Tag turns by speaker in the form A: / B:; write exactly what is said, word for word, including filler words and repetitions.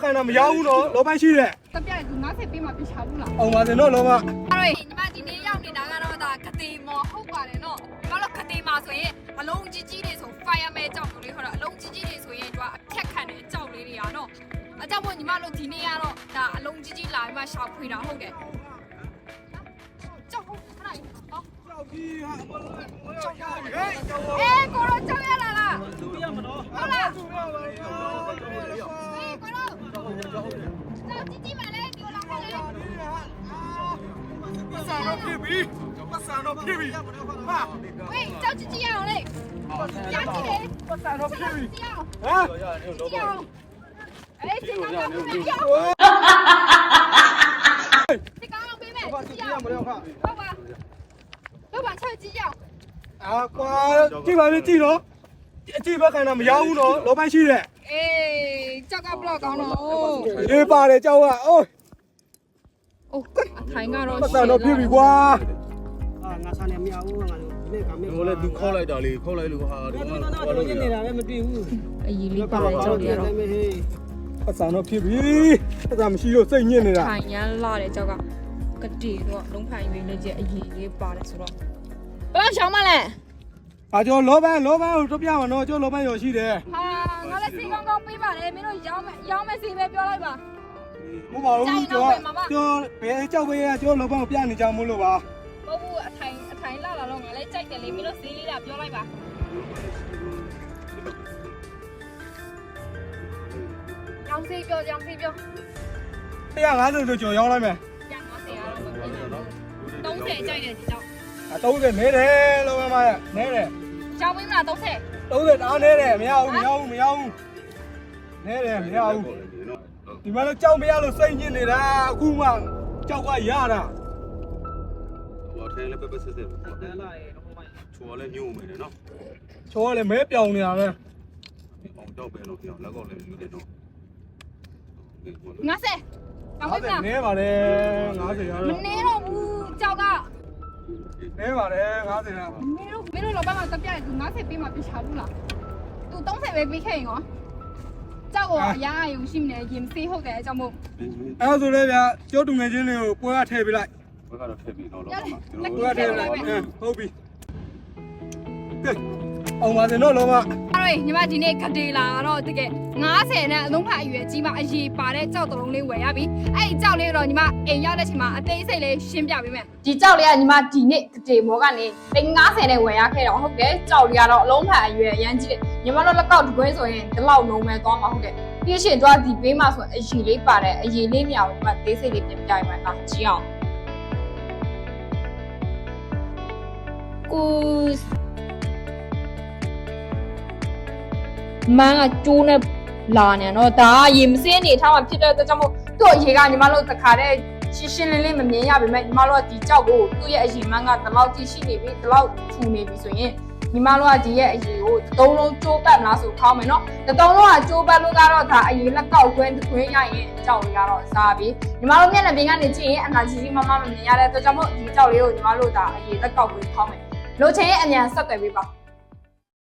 A: ခိုင်တာမရဘူးနော်လောပိုင်းရှိတယ်
B: တပြက်သူငါးဆယ်ပေးမှပြချဘူးလား
A: အောင်ပါစင်တော့လောမ
B: အဲ့တော့ညီမဒီနေ့ရောက်နေတာကတော့ဒါကတိမော်ဟုတ်ပါတယ်နော်ညီမတို့ကတိမှာဆိုရင်အလုံးကြီးကြီးတွေဆို fireman ကြောက်လို့လေဟောတော့အလုံးကြီးကြီးတွေဆိုရင်သူကအဖြတ်ခံတယ်ကြောက်လေးတွေอ่ะနော်အကြောက်မို့ညီမတို့ဒီနေ့ကတော့ဒါအလုံးကြီးကြီးလာပြီးမှရှောက်ဖွေတာဟုတ်တယ်ကြောက်ဟုတ်ခဏဟော
A: ကြောက်ကြီးဟာအမလို့ကြောက်ရဟဲ့ကြောက်
B: အေးကိုတော့ကြောက်ရလာလား
A: သူရမနော်
B: ဟုတ်လား
A: သူရပါရော
B: အေးကိုတော့ကြောက်ကြီးကြီးမှလည်းဒီလိုဟုတ်လေ
A: ပတ်စံတော့ဖြစ်ပြီပတ်စံတော့ဖြစ်ပြီဟာ
B: ဝေးကြောက်ကြီးကြီးအောင်လေကြားကြည့်လေ
A: ပတ်စံတော့ဖြစ်ပြီ
B: ကြည့်အောင်
A: ဟမ်
B: ကြည့်အောင်အေးစင်ကောင်ကပြပြောစင်ကောင်ပေးမယ်
A: ဘာကြည့်ရမလဲခါ
B: ဟုတ်ပါဟုတ်ပါချက်ကြည့်အောင်
A: အာကွာကြည့်ပါလေကြည့်တော့အကြည့်ဘက်ခိုင်တာမရဘူးနော်လောပိုင်းရှိတယ်
B: အေးကြောက်ကဘလော့ကောင်းတော့
A: ရေးပါတယ်ကြောက်ကအိုး
B: အိုးအထိုင်ကတော့
A: ပတ်စံတော့ဖြစ်ပြီကွာ
C: အာငါစားနေမရဘူးငါတို့ဒီကမေ
D: ဟိုလည်းသူခေါက်လိုက်တာလေခေါက်လိုက်လို့ဟာဒီမှာ
C: ဘာလို့နေတာလဲမတွေ့ဘူး
B: အကြီးလေးပါကြောက်ရတော့
A: ပတ်စံတော့ဖြစ်ပြီပတ်စံမရှိလို့စိတ်ညစ်နေတာ
B: ထိုင်ရမ်းလာတယ်ကြောက်ကကတိတော့လုံးဖိုင်ရွေးလေးကျအကြီးလေးပါတယ်ဆိုတော့ဘယ်တော့ရှောင်းမလဲ
A: အာကျော်လောပန်းလောပန်းကိုတို့ပြမှာနော်ကျော်လောပန်းရောရှိတယ်
B: ဟာငါလည်းစီကောင်းကောင်းပေးပါတယ်မင်းတို့ရောင်းမယ်ရောင်းမယ်စီပဲပြောလိုက်ပါ
A: မဟုတ်ပါဘူးကျော်ကျော်ဘယ်ကြောက်ပေးရကျော်လောပန်းကိုပြနေကြမို့လို့ပါ
B: ဟုတ်ဘူးအထိုင်အထိုင်လာလာတော့ငါလည်းကြိုက်တယ်လေမင်းတို့ဈေးလေးလာပြောလိုက်ပါရောင်းစီပြောရောင်းစီပြော
A: တစ်ရာငါးဆယ်ဆိုကျော်ရောင်းလိုက်မယ်
B: တစ်ရာငါးဆယ်ကတော့မဖြစ်ဘူးသုံးဆယ်ကြိုက်တယ်ဒီကြောက်
A: အသုံးဆယ်နဲတယ်လောပန်းမရနဲတယ်
B: ရောင်းပေးမလားသုံးဆယ်
A: သုံးဆယ်အားနဲတယ်မရဘူးမရဘူးမရဘူးနဲတယ်မရဘူးဒီမှာတော့ကြောက်မရလို့စိတ်ညစ်နေတာအခုမှကြောက်ကရတာ
D: ဟိုထဲလည်းပပဆက်ဆက်တယ်လာရေဟိုမှာချိုးလည်းညို့မယ်နော်
A: ချိုးကလည်းမဲပြောင်နေတာပဲ
D: အောင်ကြောက်ပဲလို့ပြောလက်ကောက်လည်းယူတယ်နော်
B: ငါးဆယ်ရောင်းပေးမလား
A: နဲပါတယ်ငါးဆယ်ရတော့
B: မနေတော့ဘူးကြောက်က
A: နဲပါတယ်ငါးဆယ်ရ
B: မင်းတို့မင်းတို့လောဘမှာတပြက်သူငါးဆယ်ပေးမှပြချဘူးလားသူသုံးဆယ်ပဲပေးခဲ့ရင်ရောကြောက်ကအရာအယုံရှိမနေရင်စေးဟုတ်တယ်အကြောင်းမို့
A: အဲ့ဒါဆိုလေဗျာကျောတူငယ်ချင်းတွေကိုပွဲကထည့်ပေးလိုက်
D: ဘက်ကတော့ထည့်ပြီးတော့လောပါ
A: မှာပွဲကထည့်လိုက်ဟုတ်ပြီကဲအောင်ပါစင်တော့လောပါ
B: အဲ့တော့ညီမဒီနေ့ကတိလာတော့တကယ်ငါးဆယ်နဲ့အလုံးဖတ်အရွယ်ကြီးမှအရေးပါတဲ့ကြောက်တုံးလေးဝယ်ရပြီအဲ့ဒီကြောက်လေးတော့ညီမအိမ်ရောက်တဲ့ချိန်မှာအသေးစိတ်လေးရှင်းပြပေးမယ်ဒီကြောက်လေးကညီမဒီနေ့ကတိမောကနေတိန်ငါးဆယ်နဲ့ဝယ်ရခဲ့တော့ဟုတ်တယ်ကြောက်လေးကတော့အလုံးဖတ်အရွယ်အရန်ကြီးတယ်ညီမတို့လက်ကောက်တကွင်းဆိုရင်ဒီလောက်လုံးမဲ့သွားမှာဟုတ်တယ်ပြီးရှင်တော့ဒီဘေးမှာဆိုအရေးလေးပါတဲ့အရေးလေးမြောင်ညီမသေးစိတ်လေးပြန်ပြရမှာလားကြည့်အောင်ကိုမန်းကကျိုးနဲ့လာနေတော့ဒါကရေမစင်းနေထားမှဖြစ်တဲ့အတွက်ကြောင့်မို့သူ့အရေကညီမတို့တခါတည်းရှင်းရှင်းလင်းလင်းမမြင်ရပါပဲညီမတို့ကဒီကြောက်ကိုသူ့ရဲ့အရေမန်းကဒီလောက်ကြည့်ရှိနေပြီဒီလောက်ထူနေပြီဆိုရင်ညီမတို့ကဒီရဲ့အရေကိုသုံးလုံးကျိုးပတ်မလားဆိုခေါင်းမယ်နော်သုံးလုံးကကျိုးပတ်လို့ကတော့ဒါအရေလက်ကောက်ခွဲခွဲရရင်ကြောက်လေးကတော့စားပြီညီမတို့မျက်နှာပြင်ကနေကြည့်ရင်အနာကြီးကြီးမမမမြင်ရတဲ့အတွက်ကြောင့်မို့ဒီကြောက်လေးကိုညီမတို့ဒါအရေလက်ကောက်ခွဲခေါင်းမယ်လိုချင်ရင်အမြန်ဆက်သွယ်ပေးပါ